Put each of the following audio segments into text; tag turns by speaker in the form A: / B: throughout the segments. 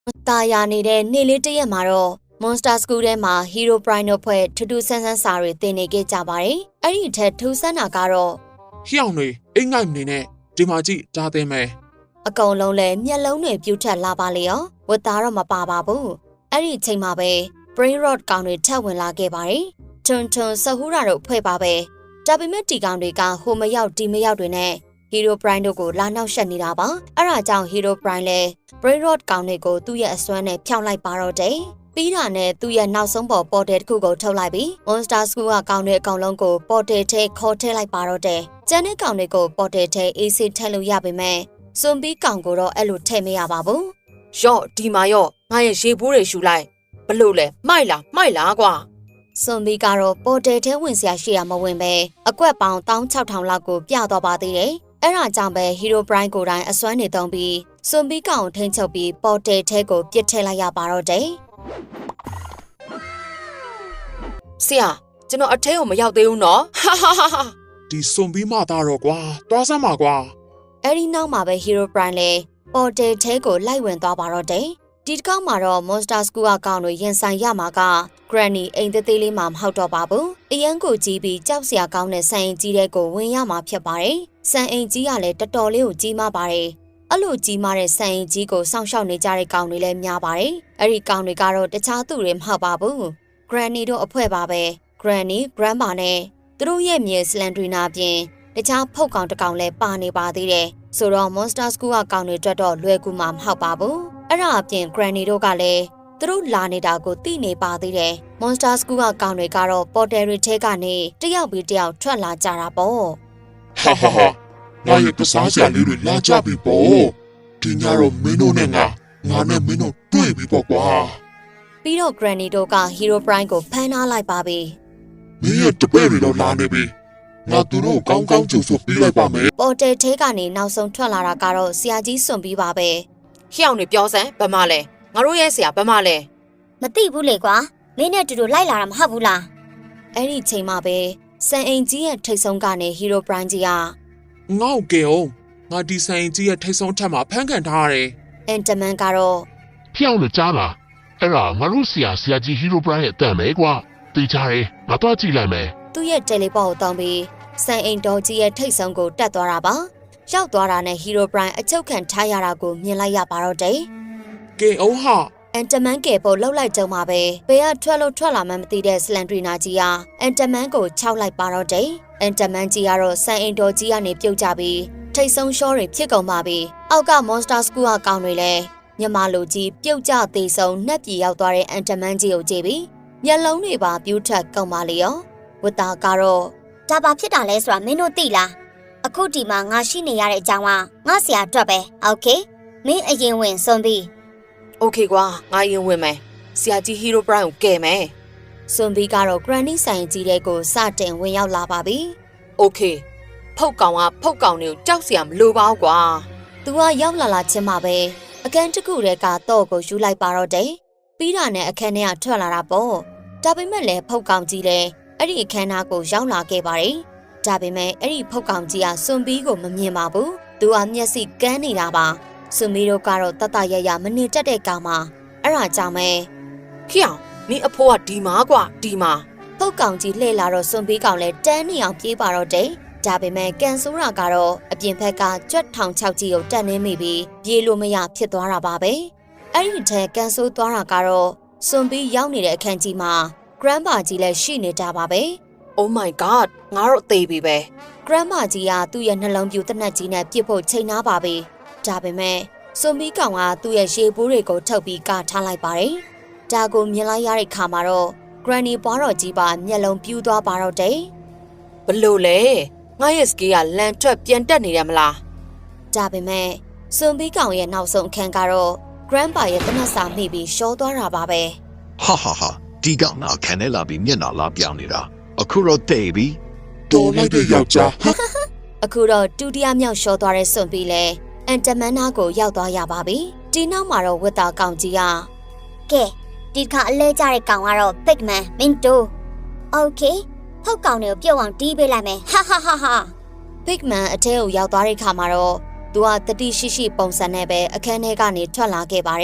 A: ตายาနေတဲ့နေ့လေးတရက်မှာတော့ Monster School ထဲမှာ Hero Prime တို့ဖွဲ့ထူးထူးဆန်းဆန်းစာတွေသင်နေခဲ့ကြပါတယ်။အဲ့ဒီထက်ထူးဆန်းတာကတော့
B: ဟျောင်းတွေအိမ်ငိုက်နေနဲ့ဒီမှာကြည့်ဒါသင်မယ်
A: အကုန်လုံးလည်းမျက်လုံးတွေပြူထက်လာပါလေရောဝတ်သားတော့မပါပါဘူး။အဲ့ဒီအချိန်မှာပဲ Brain Rot ကောင်တွေထပ်ဝင်လာခဲ့ပါတယ်။ထွန်းဆဟူရာတို့ဖွဲ့ပါပဲ။ဒါပေမဲ့ဒီကောင်တွေကဟိုမရောက်ဒီမရောက်တွေနဲ့ Hero Prime တို့ကိုလာနောက်ရှက်နေတာပါ။အဲ့ဒါကြောင့် Hero Prime လည်း Brain Rot ကောင်တွေကိုသူ့ရဲ့အစွမ်းနဲ့ဖျောက်လိုက်ပါတော့တယ်။ပြီးတာနဲ့သူ့ရဲ့နောက်ဆုံးပေါ်ပေါ်တယ်တစ်ခုကိုထုတ်လိုက်ပြီး Monster School ကကောင်တွေအကောင်လုံးကိုပေါ်တယ်ထဲခေါ်ထည့်လိုက်ပါတော့တယ်။ကျန်တဲ့ကောင်တွေကိုပေါ်တယ်ထဲအေးဆေးထည့်လို့ရပေမဲ့စွန်ပြီးကောင်ကိုတော့အဲ့လိုထည့်မရပါဘူး။
C: ရော့ဒီမှာရော့ငါရဲ့ရေပိုးတွေရှူလိုက်ဘလို့လဲမှိုက်လားကွာ
A: စွန်ပြီးကတော့ပေါ်တယ်ထဲဝင်စရာရှိတာမဝင်ပဲအကွက်ပေါင်း16000လောက်ကိုပြတော့ပါသေးတယ်။အဲ့ဒါကြောင့်ပဲ Hero Prime ကိုယ်တိုင်အစွမ်းနေသုံးပြီးစွန်ပြီးကောင်ကိုထိန်းချုပ်ပြီးပေါ်တယ်ထဲကိုပြစ်ထည့်လိုက်ရပါတော့တယ်။
C: ဆရာကျွန်တော်အထဲကိုမရောက်သေးဘူးနော်ဟာ
B: ဒီစွန်ပြီးမှသားတော့ကွာသွားစမ်းပါကွာ
A: အဲ့ဒီနောက်မှာပဲ Hero Prime လည်းပေါ်တယ်ထဲကိုလိုက်ဝင်သွားပါတော့တယ်။ဒီတစ်ခေါက်မှာတော့ Monster School အကောင်တွေရင်ဆိုင်ရမှာက Granny အိမ်သေးလေးမှမဟုတ်တော့ပါဘူး။အရန်ကိုကြီးပြီးကြောက်စရာကောင်းတဲ့ဆန်အိမ်ကြီးတဲ့ကိုဝင်ရမှာဖြစ်ပါတယ်။ဆန်အိမ်ကြီးကလည်းတော်တော်လေးကိုကြီးမားပါတယ်။အဲ့လိုကြီးမားတဲ့ဆန်အိမ်ကြီးကိုစောင့်ရှောက်နေကြတဲ့ကောင်တွေလည်းများပါတယ်။အဲ့ဒီကောင်တွေကတော့တခြားသူတွေမဟုတ်ပါဘူး။ Granny တို့အဖွဲ့ပါပဲ။ Granny, Grandma နဲ့သူတို့ရဲ့မြေ Slendrina ပြင်တခြားဖုတ်ကောင်တစ်ကောင်လည်းပါနေပါသေးတယ်။ဆိုတော့ Monster School ကကောင်တွေအတွက်တော့လွယ်ကူမှာမဟုတ်ပါဘူး။အဲ့ဒါအပြင် Granny တို့ကလည်းသူတို့လာနေတာကိုသိနေပါသေးတယ်။ Monster School ကကောင်တွေကတော့ပေါ်တယ်တွေထဲကနေတယောက်ပြီးတယောက်ထွက်လာကြတာပေါ့။
B: ဟာငါရဲ့ကစားစရာလေးတွေလာကြပြီပေါ့ဒီညတော့မင်းတို့နဲ့ငါနဲ့မင်းတို့တွေ့ပြီပေါ့ကွာ
A: ပြီးတော့ Granny တို့က Hero Prime ကိုဖမ်းထားလိုက်ပါပြီ။
B: မင်းရဲ့တပည့်တွေတော့လာနေပြီငါသူတို့ကောင်းကောင်းကြိုဆိုပေးလိုက်ပါမယ်
A: ပေါ်တယ်ထဲကနေနောက်ဆုံးထွက်လာတာကတော့ဆရာကြီးစွန်ပြီးပါပဲ
C: ဟျောင်းနေပြောစမ်းဘာမှလဲငါတို့ရဲ့ဆရာဘာမှလဲ
D: မသိဘူးလေကွာမင်းနဲ့တူတူလိုက်လာတာမဟုတ်ဘူးလား
A: အဲ့ဒီချိန်မှာပဲစံအိမ်ကြီးရဲ့ထိတ်ဆုံးကနေ Hero Prime ကြီးက
B: ငေါ့ကဲအောင်ငါဒီဆိုင်ကြီးရဲ့ထိတ်ဆုံးထက်မှာဖမ်းခံထားရတယ်
A: Enderman ကတော့
E: ဖျောင်းလို့ကြားလားအဲ့ဒါငါတို့ဆရာကြီးဟီရိုပရိုင်းရဲ့အတန်ပဲကွာတေးချတယ်ငါတော့ကြည့်လိုက်မယ်
A: သူ့ရဲ့ teleport ကိုတောင်းပြီးစံအိမ်တော်ကြီးရဲ့ထိတ်ဆုံးကိုတက်သွားတာပါရောက်သွားတာနဲ့ Hero Prime အချုပ်ခံထားရတာကိုမြင်လိုက်ရပါတော့တယ်
B: ကဲအောင်ဟာ
A: Enderman ကပေါ်လှုပ်လိုက်ကြုံမှာပဲဘယ်ကထွက်လာမှမသိတဲ့ Slendrina ကြီးဟာ Enderman ကိုခြောက်လိုက်ပါတော့တယ် Enderman ကြီးကတော့စံအိမ်တော်ကြီးကနေပြုတ်ကြပြီးထိတ်ဆုံးရှောတွေဖြစ်ကုန်ပါပြီအောက်က Monster School ကကောင်တွေလည်းညမလိုကြီးပြုတ်ကျသေးဆုံးနှက်ပြေရောက်သွားတဲ့ Enderman ကြီးကိုကြည့်ပြီးမျက်လုံးတွေပါပြူးထက်ကုန်ပါလေရောဝတ္တာကတော့
D: ဒါဘာဖြစ်တာလဲဆိုတာမင်းတို့သိလားအခုဒီမှာငါရှိနေရတဲ့အကြောင်းကငါဆရာအတွက်ပဲโอเคမင်းအရင်ဝင်စွန်ပြီး
C: โอเคကွာငါရင်ဝင်မယ်ဆရာကြီးဟီရိုပရိုင်းကိုကဲမယ်
A: စွန်ဘီကတော့ Granny ဆိုင်ကြီးတဲ့ကိုစတင်ဝင်ရောက်လာပါပြီ
C: โอเคဖုတ်ကောင်တွေကိုကြောက်စရာမလိုပါဘူးကွာ
A: သူကရောက်လာချင်းမှာပဲအခန်းတစ်ခုတည်းကတော့ကိုယူလိုက်ပါတော့တယ်ပြီးတာနဲ့အခန်းထဲကထွက်လာတာပေါ့ဒါပေမဲ့လည်းဖုတ်ကောင်ကြီးလည်းအဲ့ဒီအခန်းသားကိုရောက်လာခဲ့ပါတယ်ဒါပေမဲ့အဲ့ဒီဖုတ်ကောင်ကြီးကစွန်ဘီကိုမမြင်ပါဘူးသူကမျက်စိကန်းနေတာပါစွန်ဘီတို့ကတော့တတရရမနေတတ်တဲ့ကောင်မှာအဲ့ဒါကြောင့်ပဲ
C: ဟျောင်းနင်အဖိုးကဒီမှာကွာဒီမှာ
A: ဖုတ်ကောင်ကြီးလှည့်လာတော့စွန်ဘီကောင်လည်းတန်းနေအောင်ပြေးပါတော့တယ်ဒါပေမဲ့ကန်ဆိုးရာကတော့အပြင်ဘက်ကကြွက်ထောင်ချောက်ကြီးကိုတက်နေမိပြီးပြေးလို့မရဖြစ်သွားတာပါပဲအဲ့ဒီထဲကန်ဆိုးသွားတာကတော့စွန်ဘီရောက်နေတဲ့အခန်းကြီးမှာ Grandma ကြီးလည်းရှိနေတာပါပဲ
C: Oh my god ငါတို့အသေးပြီပဲ
A: Grandma ကြီးကသူ့ရဲ့နှလုံးပြူတနက်ကြီးနဲ့ပြစ်ဖို့ချိန်နာပါပြီဒါပေမဲ့စွန်ဘီကောင်ကသူ့ရဲ့ရေပိုးတွေကိုထုတ်ပြီးကထားလိုက်ပါတယ်ဒါကိုမြင်လိုက်ရတဲ့ခါမှာတော့ Granny ဘွားတော်ကြီးပါမျက်လုံးပြူးသွားပါတော့တယ်
C: ဘလို့လဲငါရဲ့စကေးကလန်ထွက်ပြန်တက်နေတယ်မလား
A: ဒါပေမဲ့စွန်ဘီကောင်ရဲ့နောက်ဆုံးအခန်းကတော့ Grandpa ရဲ့တနက်စာမိပြီးရှောသွားတာပါပဲ
F: ဟာဒီကောင်နာခံနေလာပြီးမျက်နှာလာပြောင်းနေတာအခုတော့တိတ်ပြီ
B: တော်လိုက်တဲ့ယောက်ျား
A: အခုတော့ဒုတိယမြောက်ရှောသွားတဲ့စွန်ဘီလည်းအန်တမန်နာကိုရောက်သွားရပါပြီဒီနောက်မှာတော့ဝတ်သားကောင်ကြီးက
D: ကဲဒီခါအလဲကျတဲ့ကောင်ကတော့ Big Man မင်းတို့โอเคဖုတ်ကောင်တွေကိုပြုတ်အောင်တီးပေးလိုက်မယ်ဟာ
A: Big Man အထဲကိုရောက်သွားတဲ့ခါမှာတော့သူကတတိရှိရှိပုံစံနဲ့ပဲအခန်းထဲကနေထွက်လာခဲ့ပါတယ်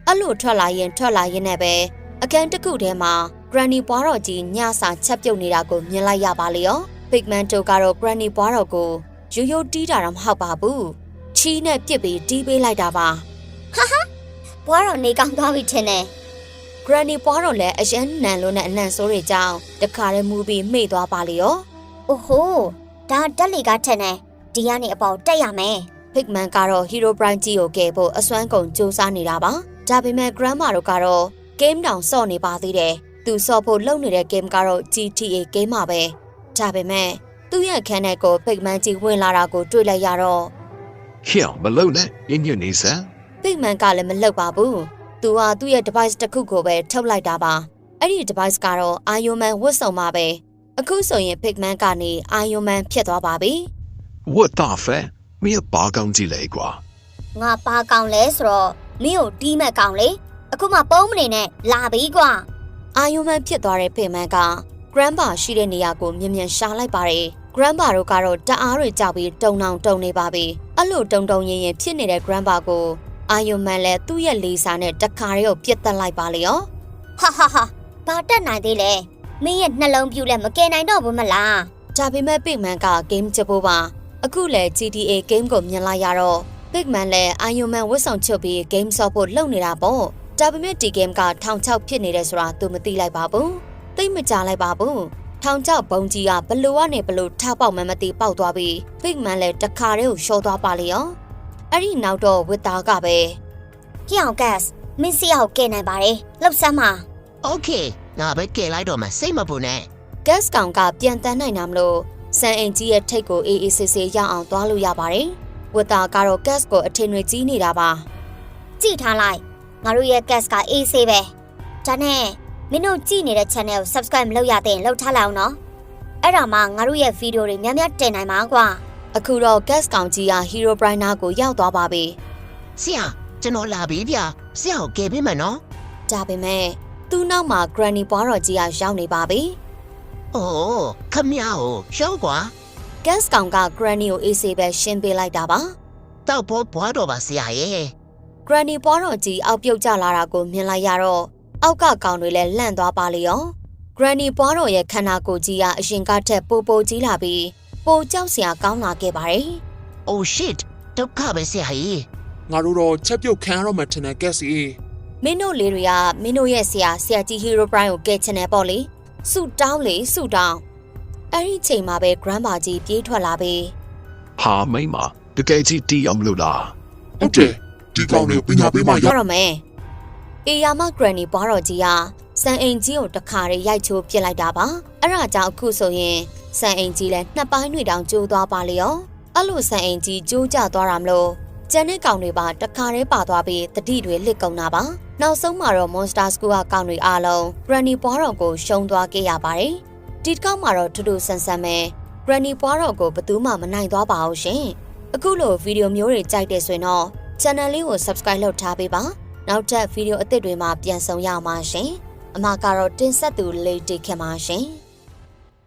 A: အဲ့လိုထွက်လာရင်နဲ့ပဲအခန်းတစ်ခုထဲမှာ Granny ပွားတော်ကြီးညစာချက်ပြုတ်နေတာကိုမြင်လိုက်ရပါလေရော Pigman တို့ကတော့ Granny ပွားတော်ကိုရိုးရိုးတီးတာတော့မဟုတ်ပါဘူးချီးနဲ့ပြစ်ပြီးတီးပေးလိုက်တာပါ
D: ဟာဘွားတော်နေကောင်းသွားပြီထင်တယ်
A: Granny ပွားတော်လည်းအရန်နန်လို့နဲ့အနံ့ဆိုးတွေကြောင်းတခါတည်းမူပြီးမှိတ်သွားပါလေရော
D: အိုဟိုဒါတက်လီကထင်တယ်ဒီကနေအပေါ်တက်ရမယ်
A: Pigman ကတော့ Hero Prime ကြီးကိုကယ်ဖို့အစွမ်းကုန်စူးစမ်းနေတာပါဒါပေမဲ့ Grandma တို့ကတော့ game တောင်ဆော့နေပါသေးတယ်သူဆော့ဖို့လုပ်နေတဲ့ game ကတော့ GTA game ပါပဲဒါပေမဲ့သူ့ရဲ့ခန်းထဲကို Pigman ကြီးဝင်လာတာကိုတွေ့လိုက်ရတော့
F: ဟေ့မလုံနဲ့ညညနေစမ်း
A: Pigman ကလည်းမလှုပ်ပါဘူးသူဟာသူ့ရဲ့ device တစ်ခုကိုပဲထုတ်လိုက်တာပါအဲ့ဒီ device ကတော့ Iron Man ဝတ်စုံပါပဲအခုဆိုရင် Pigman ကနေ Iron Man ဖြစ်သွားပါပြီ
F: ဝတ်တာဖဲမင်းဘာကောင်းကြည့်လဲကွာ
D: ငါပါကောင်းလဲဆိုတော့မင်းကိုတီးမဲ့ကောင်းလေအခုမှပုံးမနေနဲ့လာပြီကွာ
A: Iron Man ဖြစ်သွားတဲ့ Pigman က Grandpa ရှိတဲ့နေရာကိုမြင်မြန်ရှာလိုက်ပါတယ် Grandpa တို့ကတော့တအားတွေကြောက်ပြီးတုံနေပါပြီအဲ့လိုတုံရင်ဖြစ်နေတဲ့ Grandpa ကို Iron Man လည်းသူ့ရဲ့လေစာနဲ့တခါတည်းကိုပြစ်တက်လိုက်ပါလေရော
D: ဟာဘာတက်နိုင်သေးလဲမင်းရဲ့နှလုံးပြူလဲမကယ်နိုင်တော့ဘူးမလား
A: ဒါပေမဲ့ Pigman က game ချဖို့ပါအခုလဲ GTA game ကိုမြင်လိုက်ရတော့ Pigman လည်း Iron Man ဝတ်ဆောင်ချုပ်ပြီး game ဆော့ဖို့လုပ်နေတာပေါ့ဒါပေမဲ့ဒီ game က1600ဖြစ်နေတယ်ဆိုတာသူမသိလိုက်ပါဘူးသိမကြလိုက်ပါဘူး1600ဘုံကြီးကဘလို့ကနေဘလို့ထားပေါက်မှမသိပေါက်သွားပြီး Pigman လည်းတခါတည်းကိုရှော့သွားပါလေရောအဲ့ဒီနောက်တော့ဝစ်သားကပဲ
D: ကြောင်ကတ်မင်းစီအောင်ကယ်နိုင်ပါတယ်လှုပ်ဆမ်းပါ
G: โอเคငါပဲကယ်လိုက်တော့မှစိတ်မပူနဲ့
A: gas ကောင်ကပြန်တန်းနိုင်တာမလို့စံအိမ်ကြီးရဲ့ထိတ်ကိုအေးအေးဆေးဆေးရအောင်သွားလို့ရပါတယ်ဝစ်သားကတော့ gas ကိုအထင်တွေကြီးနေတာပါ
D: ကြည့်ထားလိုက်ငါတို့ရဲ့ gas ကအေးဆေးပဲဒါနဲ့မင်းတို့ကြည့်နေတဲ့ channel ကို subscribe မလုပ်ရသေးရင်လုပ်ထားလိုက်အောင်နော်အဲ့ဒါမှငါတို့ရဲ့ video တွေများများတင်နိုင်မှာကွာ
A: အခုတော့ gas ကောင်ကြီးက Hero Prime နာကိုရောက်သွားပါပြီ
G: ဆရာကျွန်တော်လာပြီဗျဆရာကိုကယ်ပေးမယ်နော်
A: ဒါပေမဲ့သူ့နောက်မှာ Granny ပွားတော်ကြီးကရောက်နေပါပြီ
G: အိုးခမရကိုရှောက်ကွာ
A: gas ကောင်က Granny ကိုအေးဆေးပဲရှင်းပေးလိုက်တာပါ
G: တောက်ဖို့ဘွားတော့ပါဆရာရဲ့
A: Granny ပွားတော်ကြီးအောက်ပြုတ်ကျလာတာကိုမြင်လိုက်ရတော့အောက်ကကောင်တွေလည်းလန့်သွားပါလေရော Granny ပွားတော်ရဲ့ခန္ဓာကိုယ်ကြီးကအရင်ကထက်ပိုကြီးလာပြီးပိုကြောက်စရာကောင်းလာခဲ့ပါတယ်
G: Oh shit ဒုက္ခပဲဆရာကြီး
B: ငါတို့တော့ချက်ပြုတ်ခံရတော့မှထင်တယ်ကက်စီ
A: မင်းတို့လေးတွေကမင်းတို့ရဲ့ဆရာကြီး Hero Prime ကိုကယ်ချင်တယ်ပေါ့လေဆူတောင်းအဲ့ဒီချိန်မှာပဲ Grandpa ကြီးပြေးထွက်လာပြီး
F: ဟာမိမတကယ်ကြီးတီးအောင်လို့လား
B: ဟုတ်တယ်ဒီကောင်လေးပညာပေးမှရ
A: ရတော့မယ်အေယာမ Granny ပွားတော်ကြီးကစံအိမ်ကြီးကိုတခါတည်းရိုက်ချိုးပြစ်လိုက်တာပါအဲ့ဒါကြောင့်အခုဆိုရင်စံအိမ်ကြီးလည်းနှစ်ပိုင်းတွေတောင်ကျိုးသွားပါလေရောအဲ့လိုစံအိမ်ကြီးကျိုးကျသွားတာမလို့ကျန်တဲ့ကောင်တွေပါတခါတည်းပါသွားပြီးတတိတွေလစ်ကုန်တာပါနောက်ဆုံးမှာတော့ Monster School ကကောင်တွေအားလုံး Granny ပွားတော်ကိုရှုံးသွားခဲ့ရပါတယ်ဒီတစ်ကောင်မှာတော့ထူးထူးဆန်းဆန်းပဲ Granny ပွားတော်ကိုဘယ်သူမှမနိုင်သွားပါဘူးရှင်အခုလိုဗီဒီယိုမျိုးတွေကြိုက်တယ်ဆိုရင်တော့ channel လေးကို subscribe လုပ်ထားပေးပါနောက်ထပ်ဗီဒီယိုအသစ်တွေမှာပြန်ဆောင်ရအောင်ပါရှင်အမကတော့တင်ဆက်သူလေးတိခင်ပါရှင်